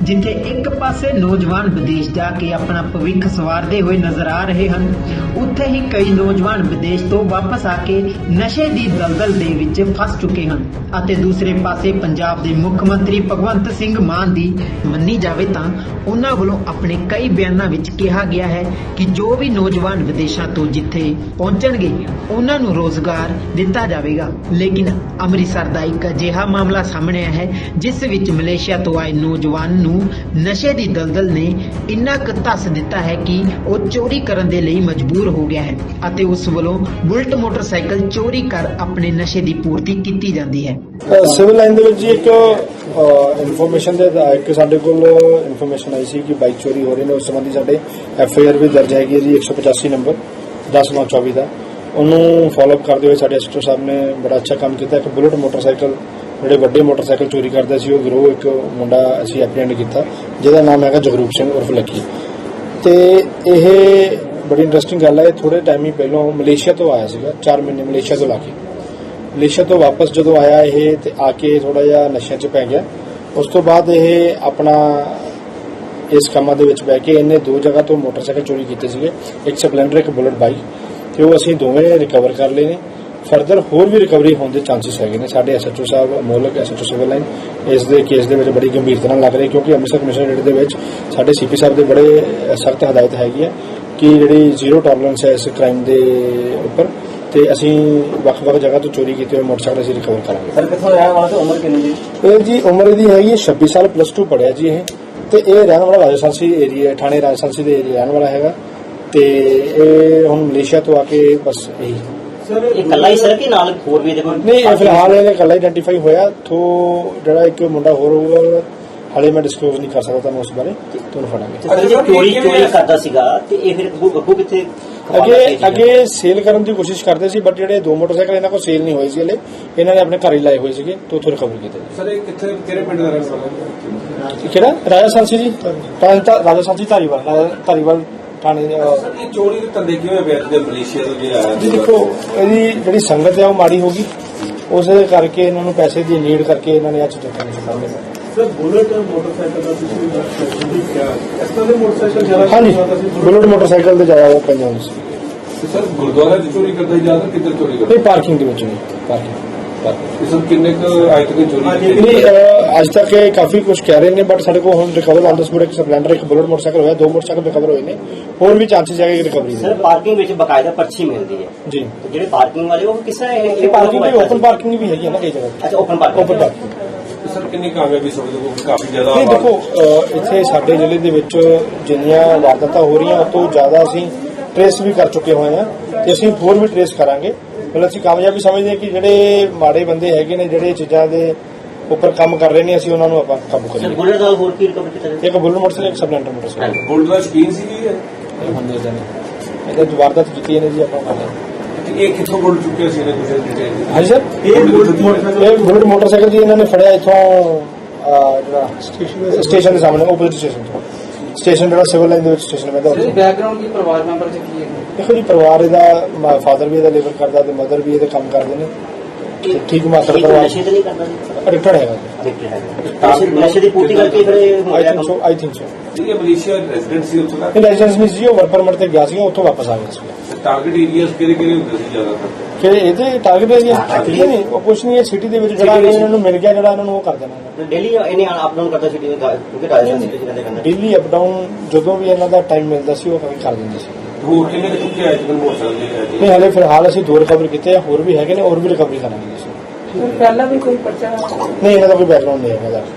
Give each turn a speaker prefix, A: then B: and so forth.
A: जिथे एक पासे नौजवान विदेश जाके अपना भविख सवारते हुए नजर आ रहे हैं, उत्थे ही कई नौजवान विदेश तो वापस आके नशे की दलदल दे विच फस चुके हैं। अते दूसरे पासे पंजाब के मुख मंत्री भगवंत सिंह मान दी मन्नी जावे तां उन्हां वल्लों अपने कई बयानां विच कहा गया है कि जो भी नौजवान विदेशों तो जिथे पहुंचणगे उन्हां नूं रोजगार दिता जाएगा। लेकिन अमृतसर का एक अजिहा मामला सामने आया है जिस विच मलेशिया तो आए नौजवान नूं नशे की दलदल ने इन्ना क धस दिता है कि वह चोरी करने के लिए मजबूर हो गया है अते उस वल्लों बुलेट मोटरसाइकिल चोरी कर अपने नशे की पूर्ति की जाती है।
B: सिविल लाइन दे विच एक इन्फॉर्मेशन दे एक साडे कोल इन्फॉर्मेशन आई सी कि बाइक चोरी हो रही ने। उस संबंधी साडे FIR भी दर्ज हैगी जी 185 नंबर 10/9/24 का। उन्होंने फॉलोअप करते हुए साडे एसएचओ साहब ने बड़ा अच्छा काम किया। एक बुलेट मोटरसाइकिल ਜਿਹੜੇ ਵੱਡੇ ਮੋਟਰਸਾਈਕਲ ਚੋਰੀ ਕਰਦਾ ਸੀ ਉਹ ਗਿਰੋਹ ਇੱਕ ਮੁੰਡਾ ਅਸੀਂ ਐਪਰੀਹੈਂਡ ਕੀਤਾ ਜਿਹਦਾ ਨਾਮ ਹੈਗਾ ਜਗਰੂਪ ਸਿੰਘ ਉਰਫ ਲੱਕੀ। ਤੇ ਇਹ ਬੜੀ ਇੰਟਰਸਟਿੰਗ ਗੱਲ ਹੈ। ਇਹ ਥੋੜੇ ਟਾਈਮ ਹੀ ਪਹਿਲਾਂ ਮਲੇਸ਼ੀਆ ਤੋਂ ਆਇਆ ਸੀਗਾ, 4 ਮਹੀਨੇ ਮਲੇਸ਼ੀਆ ਤੋਂ ਲਾ ਕੇ ਮਲੇਸ਼ੀਆ ਤੋਂ ਵਾਪਸ ਜਦੋਂ ਆਇਆ ਇਹ ਤੇ ਆ ਕੇ ਥੋੜਾ ਜਿਹਾ ਨਸ਼ਿਆਂ 'ਚ ਪੈ ਗਿਆ। ਉਸ ਤੋਂ ਬਾਅਦ ਇਹ ਆਪਣਾ ਇਸ ਕੰਮਾਂ ਦੇ ਵਿੱਚ ਬਹਿ ਕੇ ਇਹਨੇ 2 ਜਗ੍ਹਾ ਤੋਂ ਮੋਟਰਸਾਈਕਲ ਚੋਰੀ ਕੀਤੇ ਸੀਗੇ, ਇੱਕ ਸਪਲੈਂਡਰ ਇੱਕ ਬੁਲਟ ਬਾਈਕ, ਤੇ ਉਹ ਅਸੀਂ ਦੋਵੇਂ ਰਿਕਵਰ ਕਰ ਲਏ ਨੇ। फरदर होर भी रिकवरी होने के चांसिस है। साढ़े SHO साहब अमोलक SHO सिविल लाइन इस केस के बड़ी गंभीरता लग रही, क्योंकि अमृतसर कमिश्नरेट के साढ़े CP साहब के बड़े सख्त हदायत हैगी है कि जी 0 टॉलरेंस है इस क्राइम के उपर। तो असी ਵੱਖ-ਵੱਖ जगह तो चोरी किए हुए मोटरसाइकिल असीं रिकवर करांगे।
C: सर कित्थों रहने वाला ते उम्र कितनी जी?
B: ये जी उम्र दी हैगी 26 साल, +2 पढ़िया जी ये। तो ये रहने वाला राजस्थान एरिया थाने राजस्थान के एरिया रहने वाला है। तो ये हुण मलेशिया तो आके बस यही नहीं फिलहाल ये कला आइडेंटिफाई होया। तो जरा एक मुंडा होर होगा हाले मैं डिस्कलोज नहीं कर सकता मैं उस बारे तो फड़ांगे। अगे सेल करने की कोशिश करते सी, बट जेडे 2 मोटरसाइकिल इन्हां कोल सेल नहीं होए सी, इन्हां ने अपने घर ही लाए हुए सीगे तो उत्थों रिकवर कीते।
D: सर ये किथे किहड़े पिंड दा रहने वाला है?
B: किहड़ा राजस्थान सी जी, राजस्थान सी धारीवाल थाने।
D: चोरी के धंधे किवें पे मलेशिया तो जे आया
B: जी देखो इहदी जिहड़ी संगत है वो माड़ी होगी, उस करके इन्हां नूं पैसे की नीड करके इन्हां ने आ चीज़ां करने से सामने।
D: सर बुलेट मोटरसाइकिल का इस तरह मोटरसाइकिल ज्यादा?
B: हाँ जी बुलेट मोटरसाइकिल से ज्यादा वो पंजाब से।
D: सर गुरुद्वारा चोरी करता ज्यादा किधर चोरी करता?
B: नहीं पार्किंग के विच नहीं, पार्किंग
D: सर किन्ने अज तक चोरी
B: नहीं अज तक काफी कुछ कह रहे हैं, बट साढ़े को हम रिकवर ऑन द स्पॉट एक स्पलेंडर एक बुलेट मोटरसाइकिल होया, 2 मोटरसाइकिल रिकवर होए ने, और भी चांसेस है रिकवरी
C: सर पार्किंग में बकायदा पर्ची मिलती है
B: जी।
C: तो जेडे पार्किंग वाले वो किस तरह
B: पार्किंग भी ओपन पार्किंग भी है ना कई जगह।
C: अच्छा ओपन पार्किंग
D: सर कितनी कामयाबी समझो काफी ज्यादा?
B: नहीं देखो इत्थे साडे जिले दे विच जिन्नियां वारदातां हो रही उस तो ज्यादा असीं ट्रेस भी कर चुके हुए हैं ते असीं होर भी ट्रेस करांगे। मतलब असीं कामयाबी समझदे कि जिहड़े माड़े बंदे हैगे ने जिहड़े चीज़ां दे उपर काम कर रहे हैं असीं उन्हां नूं आपां काबू करिए।
C: बुलेट दा होर की रिकवर कीता?
B: एक बुलेट मोटरसाइकिल एक स्पलेंडर मोटरसाइकिल।
D: बुलेट दा शौकीन सी जी
B: हम दे देने इहदा वारदात कीती ने जी आपां कर
D: ये कितों बोल चुके सी ने कुछ डिटेल?
B: हाँ सर ये बुलेट मोटरसाइकिल जी इन्होंने फड़िया इथों स्टेशन के सामने ओपोजिट स्टेशन जो सिविल लाइन स्टेशन में
C: बैकग्राउंड की परिवार मेंबर से की है?
B: देखो जी परिवार इहदा फादर भी इहदा लेबर करता ते मदर भी इहदा काम करते हैं। ठीक मात्र परिवार एडिक्टेड है
C: नशे की पूर्ति करके
B: आई थिंक सो
D: ये मलेशिया रेजिडेंट सी उत्थों दा
B: रेजिडेंस नहीं सी, वर्क परमिट ते गया सी, उत्थों वापस आ गया सी।
D: टारगेट एरियाज किहड़े हुंदे सी ज्यादातर?
B: कि ਇਹਦੇ ਟਾਰਗੇਟ ਏਰੀਆ ਨਹੀਂ ਉਹ ਕੁਝ ਨਹੀਂ ਹੈ ਸਿਟੀ ਦੇ ਵਿੱਚ ਜਿਹੜਾ ਇਹਨਾਂ ਨੂੰ ਮਿਲ ਗਿਆ ਜਿਹੜਾ ਇਹਨਾਂ ਨੂੰ ਉਹ ਕਰ ਦੇਣਾ।
C: ਡੇਲੀ ਇਹਨੇ ਅਪ ਡਾਊਨ ਕਰਦਾ ਸਿਟੀ ਕਿਉਂਕਿ ਰਾਜਸਥਾਨ ਸਿਟੀ ਦੇ ਅੰਦਰ
B: ਡੇਲੀ ਅਪ ਡਾਊਨ ਜਦੋਂ ਵੀ ਇਹਨਾਂ ਦਾ ਟਾਈਮ ਮਿਲਦਾ ਸੀ ਉਹ ਕਰ ਦਿੰਦੇ ਸੀ।
D: ਹੋਰ ਕਿੰਨੇ ਚੁੱਕੇ ਆਏ ਜਿਵੇਂ ਮੋਟਰਸਾਈਕਲ
B: ਨਹੀਂ ਹਾਲੇ ਫਿਲਹਾਲ ਅਸੀਂ 2 ਰਿਕਵਰ ਕੀਤੇ ਆ, ਹੋਰ ਵੀ ਹੈਗੇ ਨੇ, ਹੋਰ ਵੀ ਰਿਕਵਰੀ ਕਰਾਂਗੇ।
E: ਪਹਿਲਾਂ ਵੀ ਕੋਈ ਪਰਚਾ
B: ਨਹੀਂ ਇਹਨਾਂ ਦਾ ਕੋਈ ਬੈਕਗ੍ਰਾਉਂਡ ਨਹੀਂ ਹੈ ਇਹਨਾਂ ਦਾ।